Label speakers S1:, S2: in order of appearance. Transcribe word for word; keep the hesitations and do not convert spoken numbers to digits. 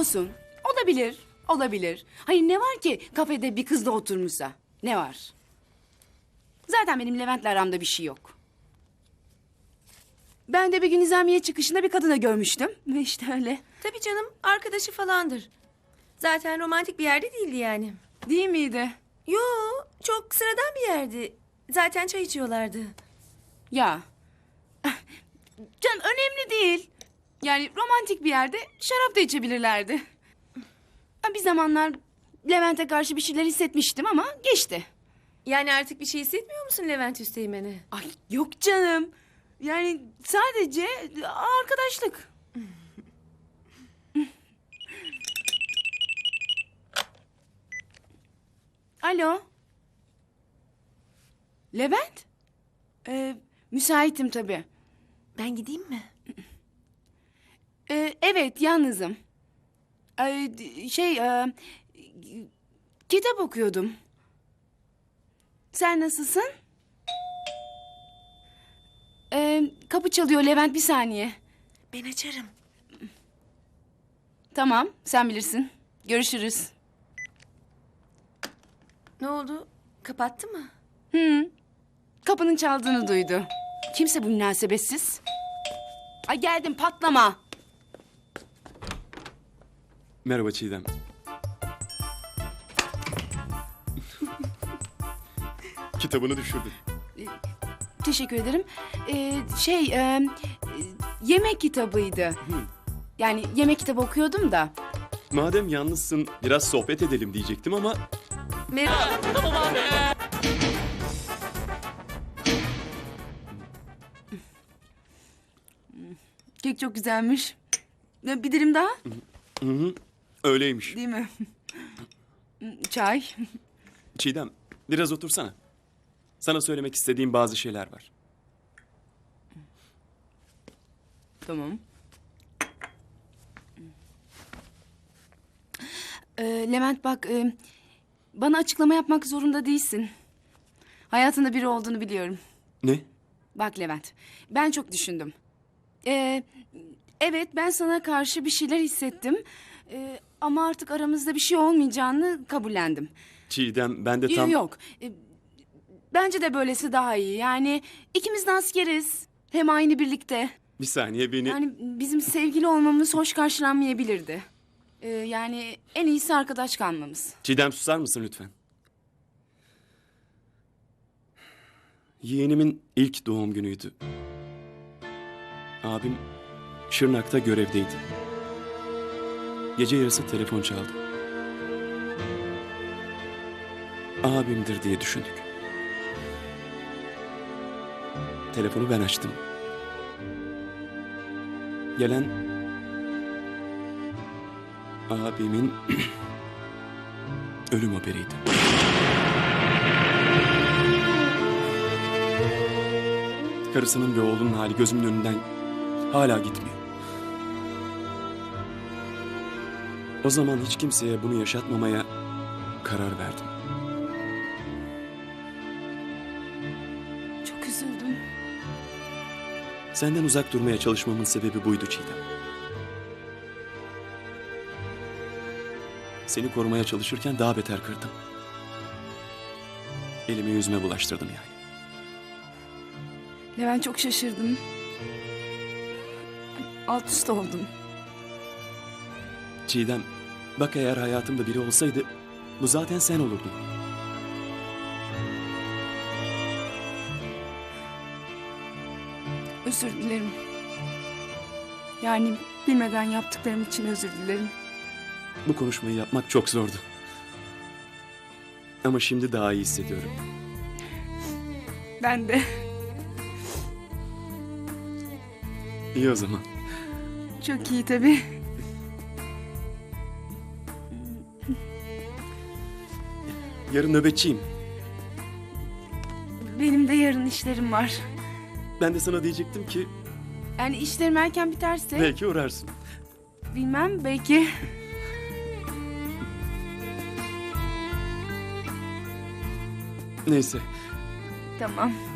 S1: Olsun. Olabilir. Olabilir. Hayır ne var ki kafede bir kızla oturmuşsa? Ne var? Zaten benim Levent'le aramda bir şey yok. Ben de bir gün nizamiye çıkışında bir kadına görmüştüm. Ve işte öyle.
S2: Tabii canım, arkadaşı falandır. Zaten romantik bir yerde değildi yani.
S1: Değil miydi?
S2: Yo, çok sıradan bir yerdi. Zaten çay içiyorlardı.
S1: Ya. Canım önemli değil. Yani romantik bir yerde şarap da içebilirlerdi. Bir zamanlar Levent'e karşı bir şeyler hissetmiştim ama geçti.
S2: Yani artık bir şey hissetmiyor musun Levent Üsteğmen'e?
S1: Ay yok canım. Yani sadece arkadaşlık. Alo. Levent? Ee, müsaitim tabii.
S2: Ben gideyim mi?
S1: Ee, evet yalnızım. Ee, şey e, kitap okuyordum. Sen nasılsın? Ee, kapı çalıyor Levent bir saniye.
S2: Ben açarım.
S1: Tamam sen bilirsin. Görüşürüz.
S2: Ne oldu? Kapattı mı?
S1: Hı. Kapının çaldığını duydu. Kimse bu münasebetsiz. Ay geldim patlama.
S3: Merhaba Çiğdem. Kitabını düşürdüm.
S1: Teşekkür ederim. Ee, şey e, e, yemek kitabıydı. Yani yemek kitabı okuyordum da.
S3: Madem yalnızsın biraz sohbet edelim diyecektim ama...
S2: Merhaba.
S1: Kek çok güzelmiş. Ee, Bir dilim daha.
S3: Hı hı, öyleymiş.
S1: Değil mi? Çay.
S3: Çiğdem biraz otursana. Sana söylemek istediğim bazı şeyler var.
S1: Tamam. Ee, Levent bak, e, bana açıklama yapmak zorunda değilsin. Hayatında biri olduğunu biliyorum.
S3: Ne?
S1: Bak Levent, ben çok düşündüm. Ee, evet, ben sana karşı bir şeyler hissettim. Ee, ama artık aramızda bir şey olmayacağını kabullendim.
S3: Çiğdem ben de tam...
S1: Yok, e, bence de böylesi daha iyi. Yani ikimiz de askeriz. Hem aynı birlikte.
S3: Bir saniye beni...
S1: Yani bizim sevgili olmamız hoş karşılanmayabilirdi. Ee, yani en iyisi arkadaş kalmamız.
S3: Çiğdem susar mısın lütfen? Yeğenimin ilk doğum günüydü. Abim Şırnak'ta görevdeydi. Gece yarısı telefon çaldı. Abimdir diye düşündük. Telefonu ben açtım. Gelen abimin ölüm haberiydi. Karısının ve oğlunun hali gözümün önünden hala gitmiyor. O zaman hiç kimseye bunu yaşatmamaya karar verdim.
S1: Çok üzüldüm.
S3: Senden uzak durmaya çalışmamın sebebi buydu Çiğdem. Seni korumaya çalışırken daha beter kırdım. Elimi yüzüme bulaştırdım yani.
S1: Levent çok şaşırdım. Alt üst oldum.
S3: Çiğdem, bak eğer hayatımda biri olsaydı bu zaten sen olurdun.
S1: Özür dilerim. Yani bilmeden yaptıklarım için özür dilerim.
S3: Bu konuşmayı yapmak çok zordu. Ama şimdi daha iyi hissediyorum.
S1: Ben de.
S3: İyi o zaman.
S1: Çok iyi tabii.
S3: Yarın nöbetçiyim.
S1: Benim de yarın işlerim var.
S3: Ben de sana diyecektim ki
S1: Yani işlerim erken biterse...
S3: belki uğrarsın.
S1: Bilmem belki.
S3: Neyse.
S1: Tamam.